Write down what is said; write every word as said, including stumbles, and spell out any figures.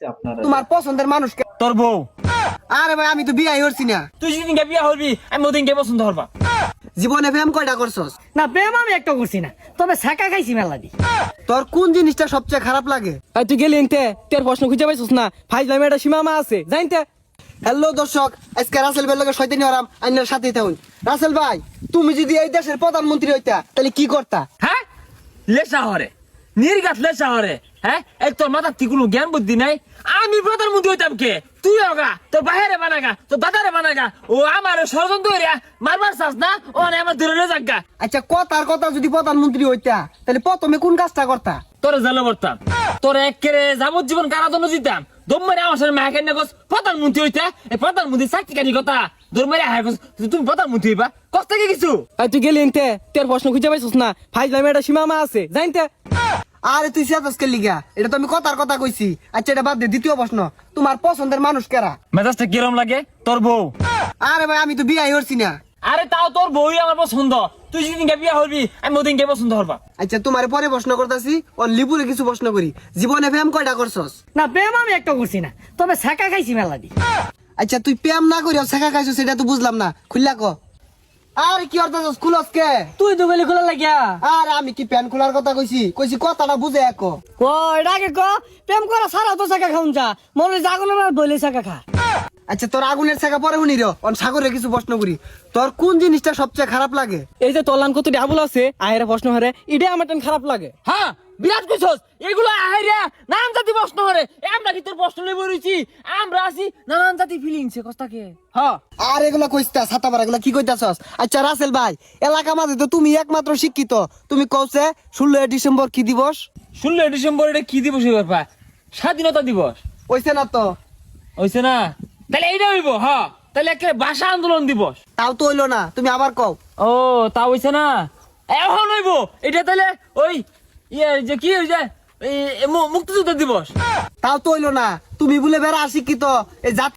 তোমার পছন্দের মানুষকে। তোর বউ। আরে ভাই আমি তো বিয়াই করছি না। তুই যেদিনকে বিয়া হবি আমি ওদিনকে পছন্দ হবা। জীবনে প্রেম কয়টা করছস? না প্রেম আমি একটা করছি না, তবে ছাকা খাইছি মেলা দি। তোর কোন জিনিসটা সবচেয়ে খারাপ লাগে? আর তুই গেলি এনতে তোর প্রশ্ন খুঁজে পাইছিস না, ফাইজলামে একটা সীমামা আছে জানতে। হ্যালো দর্শক, আজকে রাসেল ভাইয়ের লগে শয়তানি হরাম আইনার সাথেই থাকুন। রাসেল ভাই, তুমি যদি এই দেশের প্রধানমন্ত্রী হইতা তাহলে কি করতা? হ্যাঁ লেসা হরে নির্গাত লেসা হরে। হ্যাঁ এক তোর মাথার থেকে কোনো জ্ঞান বুদ্ধি নাই। আমি প্রধানমন্ত্রী হইতাম কে? তুই হোগা তোর বাহিরে বানাগা তোর দাদারে বানাগা। ও আমার ষড়যন্ত্র হইয়া মারবার চাস না, ও আমার দূরে যাগা। আচ্ছা কথার কথা যদি প্রধানমন্ত্রী হইতা তাহলে প্রথমে কোন কাজটা করতা? তোরে জানো করতাম, তোর একেরে যাবজ্জীবন কারাদণ্ড দিতাম। দম মেরে আমার সাথে মাকে না প্রধানমন্ত্রী হইতা। এই প্রধানমন্ত্রী চাকরি কানি কথা দৌড় মেরে হায় তুমি প্রধানমন্ত্রী হইবা কষ্ট থেকে কিছু। আর তুই গেলি এনতে তোর প্রশ্ন খুঁজে পাইছিস না, ফাইজলামে একটা সীমামা আছে জানতে। আরে তুই সেটাসকে লিগা, এটা তো আমি কথার কথা কইছি। আচ্ছা এটা বাদ দে, দ্বিতীয় প্রশ্ন, তোমার পছন্দের মানুষ কারা? মেজাজটা কিরম লাগে? তোর বউ। আরে ভাই আমি তো বিয়াই করছি না। আরে তাও তোর বউই আমার পছন্দ। তুই যেদিনকে বিয়া হবি আমি ওদিনকে পছন্দ হবা। আচ্ছা তোমার পরে প্রশ্ন করতেছি, ও লিপুরে কিছু প্রশ্ন করি। জীবনে প্রেম কয়টা করছস? না প্রেম আমি একটা করছি না, তবে ছাকা খাইছি মেলা দি। আচ্ছা তুই প্রেম না করিও শেখা খাইছো সেটা তো বুঝলাম না, খুললা ক। আরে কি অর্থাৎ খুলস কে? তুই তো গলি খোলা লাগিয়া। আরে আমি কি প্যান খোলার কথা কইছি? কইছি কথাটা বুঝে এক। ক এটা আগে ক, প্রেম করা সারা তো ছাকা খাউন যা, মনে জাগুন বলে ছাকা খা। আচ্ছা তোর আগুনের শেখা পরে শুনি রে, অন সাগরে কিছু প্রশ্ন করি। তোর কোন জিনিসটা সবচেয়ে খারাপ লাগে? এই যে তলান কত ডাবল আছে আহের প্রশ্ন হারে, এটাই আমার টান খারাপ লাগে। হ্যাঁ বিরাট কইছস এগুলো আহাইরা নানান জাতি প্রশ্ন হরে। আমরা কি তোর প্রশ্ন লই বইছি? আমরা আছি নানান জাতি ফিলিংসে কস্তাকে। হ্যাঁ আর এগুলা কইস্তা ছাতা পারা এগুলা কি কইতাছস? আচ্ছা রাসেল ভাই, এলাকা মাঝে তো তুমি একমাত্র শিক্ষিত, তুমি কওছে ষোলোই ডিসেম্বর কি দিবস? ষোলোই ডিসেম্বর এটা কি দিবস হইবার পা? স্বাধীনতা দিবস কইছে না তো? হইছে না? তাহলে এইটা হইব। হ্যাঁ তাহলে একে ভাষা আন্দোলন দিবস। তাও তো হইলো না, তুমি আবার কও। ও তা হইছে না, এখন হইব এটা। তাহলে ওই ইয়ে যে কি হইছে মুক্তিযুদ্ধ দিবস। তাও তো হইলো না, তুমি বলে বেড়া শিক্ষিত, এই জাতি